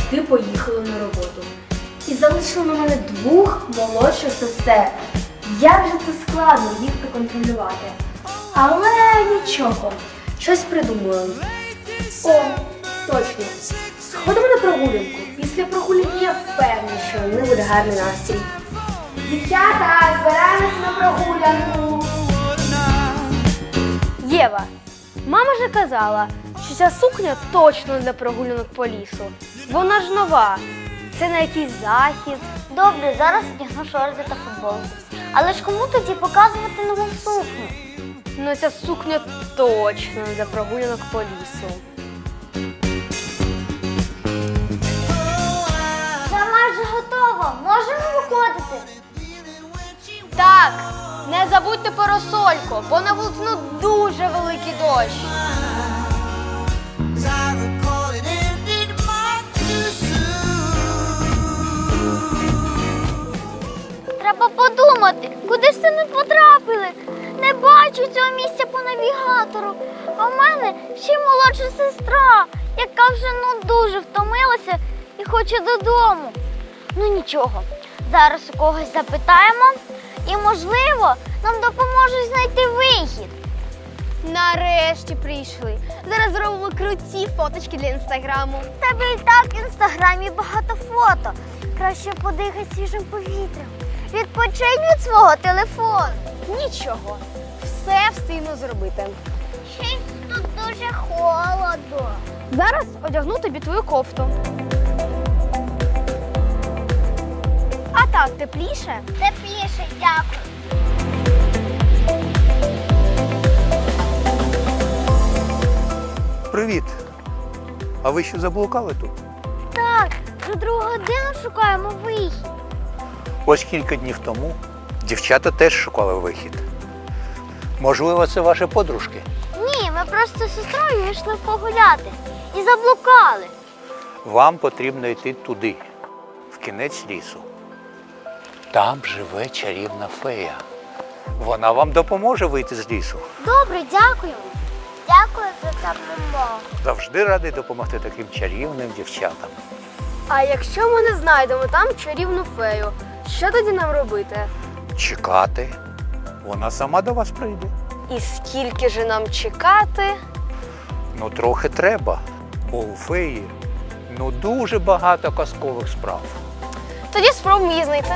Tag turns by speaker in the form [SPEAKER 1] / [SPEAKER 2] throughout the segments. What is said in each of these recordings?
[SPEAKER 1] батьки поїхали на роботу. І залишили на мене 2 молодших сестер. Як же це складно їх проконтролювати. Але нічого, щось придумаю. О, точно. Сходимо на прогулянку. Після прогулянки я впевнена, що не буде гарний настрій. Дівчата, збираємося на прогулянку. Єва, мама ж казала, що ця сукня точно для прогулянок по лісу. Вона ж нова. Це на якийсь захід.
[SPEAKER 2] Добре, зараз одягну шорти та футболку. Але ж кому тоді показувати нову сукню?
[SPEAKER 1] Ну ця сукня точно для прогулянок по лісу.
[SPEAKER 2] Вже майже готово. Можемо виходити?
[SPEAKER 1] Так, не забудьте парасольку, бо на вулиці дуже великий дощ.
[SPEAKER 2] Треба подумати, куди ж це ми потрапили? Не бачу цього місця по навігатору. А в мене ще й молодша сестра, яка вже дуже втомилася і хоче додому. Ну нічого, зараз у когось запитаємо і, можливо, нам допоможуть знайти вихід.
[SPEAKER 1] Нарешті прийшли. Зараз зробимо круті фоточки для інстаграму.
[SPEAKER 2] В тебе і так в інстаграмі багато фото. Краще подихай свіжим повітрям. Відпочинь від свого телефону.
[SPEAKER 1] Нічого, все встигну зробити.
[SPEAKER 2] Щось тут дуже холодно.
[SPEAKER 1] Зараз одягну тобі твою кофту. А так, тепліше?
[SPEAKER 2] Тепліше, дякую.
[SPEAKER 3] Привіт! А ви що заблукали тут?
[SPEAKER 2] Так, вже 2 годину шукаємо вихід.
[SPEAKER 3] Ось кілька днів тому дівчата теж шукали вихід. Можливо, це ваші подружки?
[SPEAKER 2] Ні, ми просто з сестрою йшли погуляти і заблукали.
[SPEAKER 3] Вам потрібно йти туди, в кінець лісу. Там живе чарівна фея. Вона вам допоможе вийти з лісу.
[SPEAKER 2] Добре, дякуємо. Дякую за допомогу.
[SPEAKER 3] Завжди радий допомогти таким чарівним дівчатам.
[SPEAKER 1] А якщо ми не знайдемо там чарівну фею, що тоді нам робити?
[SPEAKER 3] Чекати. Вона сама до вас прийде.
[SPEAKER 1] І скільки же нам чекати?
[SPEAKER 3] Ну, трохи треба, бо у феї дуже багато казкових справ.
[SPEAKER 1] Тоді спробуємо її знайти.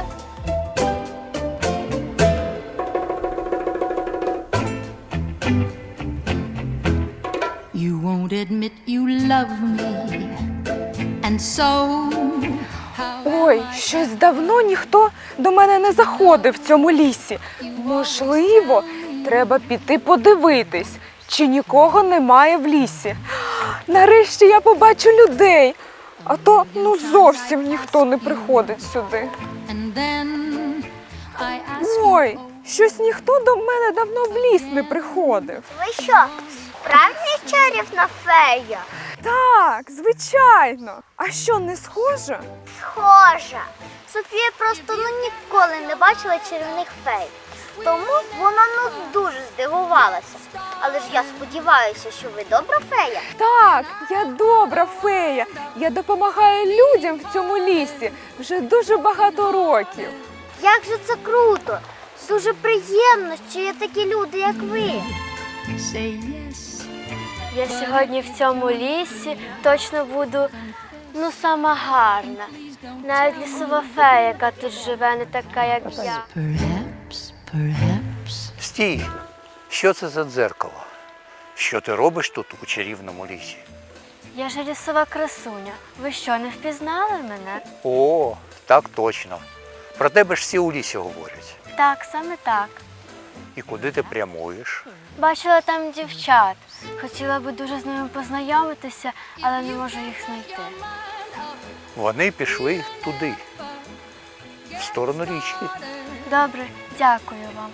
[SPEAKER 4] You won't admit you love me, and so
[SPEAKER 5] Ой, щось давно ніхто до мене не заходив в цьому лісі. Можливо, треба піти подивитись, чи нікого немає в лісі. Нарешті я побачу людей, а то зовсім ніхто не приходить сюди.
[SPEAKER 4] and then I ask
[SPEAKER 5] Ой, щось ніхто до мене давно в ліс не приходив.
[SPEAKER 2] Ви що, справжня чарівна фея?
[SPEAKER 5] Так, звичайно. А що, не схоже?
[SPEAKER 2] Схожа. Софія просто ніколи не бачила чарівних фей. Тому вона дуже здивувалася. Але ж я сподіваюся, що ви добра фея.
[SPEAKER 5] Так, я добра фея. Я допомагаю людям в цьому лісі вже дуже багато років.
[SPEAKER 2] Як же це круто! Дуже приємно, що є такі люди, як ви.
[SPEAKER 4] say yes.
[SPEAKER 1] Я сьогодні в цьому лісі точно буду, сама гарна. Навіть лісова фея, яка тут живе, не така, як я.
[SPEAKER 4] Perhaps.
[SPEAKER 3] Стій! Що це за дзеркало? Що ти робиш тут у чарівному лісі?
[SPEAKER 1] Я ж лісова красуня. Ви що, не впізнали мене?
[SPEAKER 3] О, так точно. Про тебе ж всі у лісі говорять.
[SPEAKER 1] Так, саме так.
[SPEAKER 3] І куди ти прямуєш?
[SPEAKER 1] Бачила там дівчат. Хотіла би дуже з ними познайомитися, але не можу їх знайти.
[SPEAKER 3] Вони пішли туди, в сторону річки.
[SPEAKER 1] Добре, дякую вам.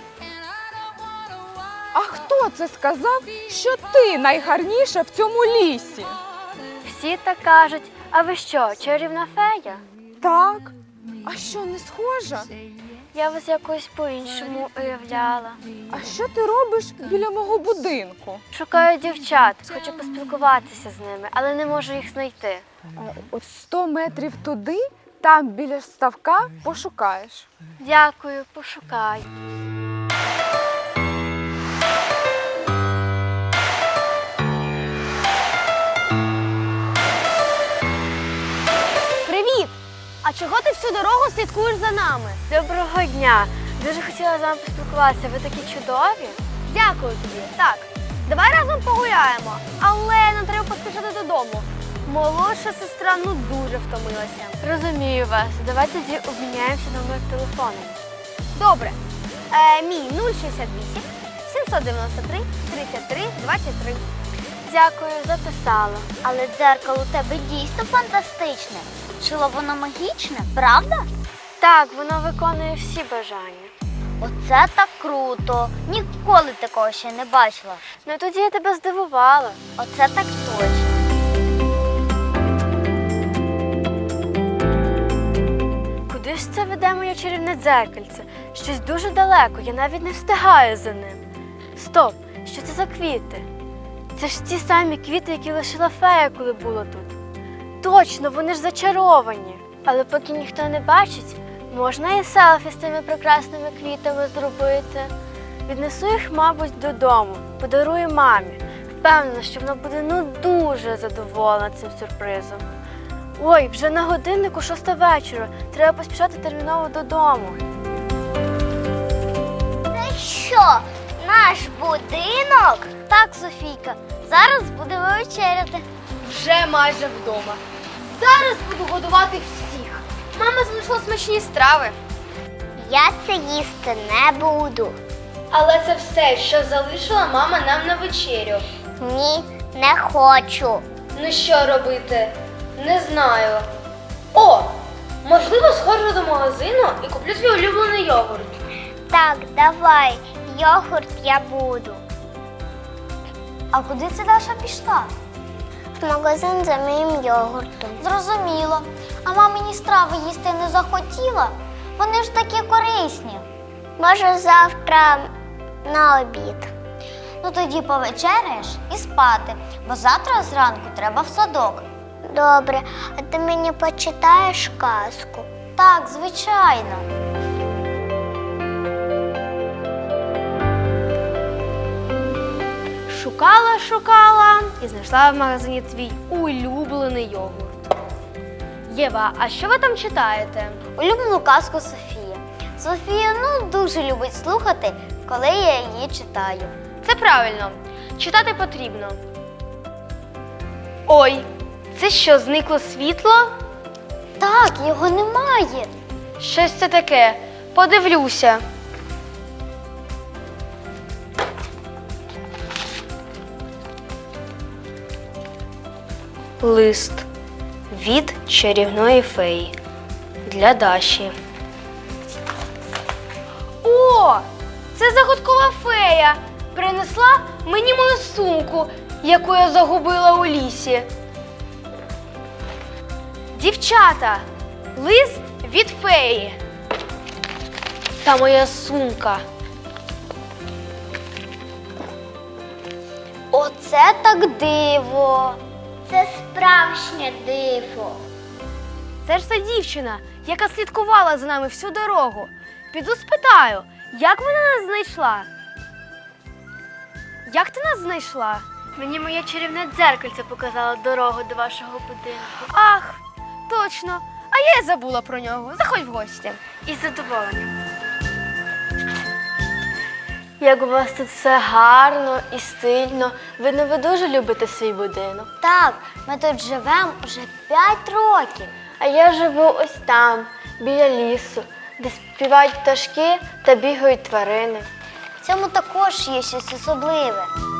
[SPEAKER 5] А хто це сказав, що ти найгарніша в цьому лісі?
[SPEAKER 1] Всі так кажуть. А ви що, чарівна фея?
[SPEAKER 5] Так. А що, не схожа?
[SPEAKER 2] Я вас якось по-іншому уявляла.
[SPEAKER 5] А що ти робиш біля мого будинку?
[SPEAKER 2] Шукаю дівчат, хочу поспілкуватися з ними, але не можу їх знайти.
[SPEAKER 5] От 100 метрів туди, там біля ставка пошукаєш.
[SPEAKER 2] Дякую, пошукаю.
[SPEAKER 1] Привіт! А чого ти всю дорогу слідкуєш за нами?
[SPEAKER 2] Доброго дня! Дуже хотіла з вами поспілкуватися. Ви такі чудові.
[SPEAKER 1] Дякую тобі. Так, давай разом погуляємо. Але нам треба поспішати додому. Молодша сестра дуже втомилася.
[SPEAKER 2] Розумію вас. Давайте тоді обміняємося номер телефону.
[SPEAKER 1] Добре. Мій 068 793 33 23.
[SPEAKER 2] Дякую, записала.
[SPEAKER 6] Але дзеркало у тебе дійсно фантастичне. Чило воно магічне, правда?
[SPEAKER 2] Так, воно виконує всі бажання.
[SPEAKER 6] Оце так круто. Ніколи такого ще не бачила.
[SPEAKER 2] Ну тоді я тебе здивувала.
[SPEAKER 6] Оце так точно.
[SPEAKER 2] Куди ж це веде моє чарівне дзеркальце? Щось дуже далеко, я навіть не встигаю за ним. Стоп, що це за квіти? Це ж ті самі квіти, які лишила фея, коли була тут. Точно, вони ж зачаровані. Але поки ніхто не бачить, можна і селфі з цими прекрасними квітами зробити. Віднесу їх, мабуть, додому, подарую мамі. Впевнена, що вона буде дуже задоволена цим сюрпризом. Ой, вже на годиннику 6 вечора. Треба поспішати терміново додому.
[SPEAKER 6] Це що, наш будинок? Так, Софійка, зараз будемо вечеряти.
[SPEAKER 1] Вже майже вдома. Зараз буду годувати всіх. Мама залишила смачні страви.
[SPEAKER 6] Я це їсти не буду.
[SPEAKER 1] Але це все, що залишила мама нам на вечерю.
[SPEAKER 6] Ні, не хочу.
[SPEAKER 1] Ну що робити? Не знаю. О! Можливо, сходжу до магазину і куплю свій улюблений йогурт.
[SPEAKER 6] Так, давай, йогурт я буду.
[SPEAKER 2] А куди це Даша пішла?
[SPEAKER 6] В магазин за моїм йогуртом.
[SPEAKER 2] Зрозуміло. А мамині страви їсти не захотіла? Вони ж такі корисні.
[SPEAKER 6] Може, завтра на обід.
[SPEAKER 2] Ну тоді повечеряєш і спати, бо завтра зранку треба в садок.
[SPEAKER 6] Добре, а ти мені почитаєш казку?
[SPEAKER 2] Так, звичайно.
[SPEAKER 1] Шукала і знайшла в магазині твій улюблений йогурт. Єва, а що ви там читаєте?
[SPEAKER 2] Улюблену казку Софії. Софія дуже любить слухати, коли я її читаю.
[SPEAKER 1] Це правильно. Читати потрібно. Ой, це що, зникло світло?
[SPEAKER 2] Так, його немає.
[SPEAKER 1] Щось це таке. Подивлюся. Лист від чарівної феї для Даші. О, це загадкова фея. Принесла мені мою сумку, яку я загубила у лісі. Дівчата, лист від феї. Та моя сумка.
[SPEAKER 2] Оце так диво.
[SPEAKER 6] Це справжнє диво.
[SPEAKER 1] Це ж та дівчина, яка слідкувала за нами всю дорогу. Піду спитаю, як вона нас знайшла? Як ти нас знайшла? Мені моє чарівне дзеркальце показало дорогу до вашого будинку. Ах, точно. А я й забула про нього. Заходь в гості. Із задоволенням. Як у вас тут все гарно і стильно. Видно, ви дуже любите свій будинок.
[SPEAKER 2] Так, ми тут живемо вже 5 років.
[SPEAKER 1] А я живу ось там, біля лісу, де співають пташки та бігають тварини.
[SPEAKER 2] В цьому також є щось особливе.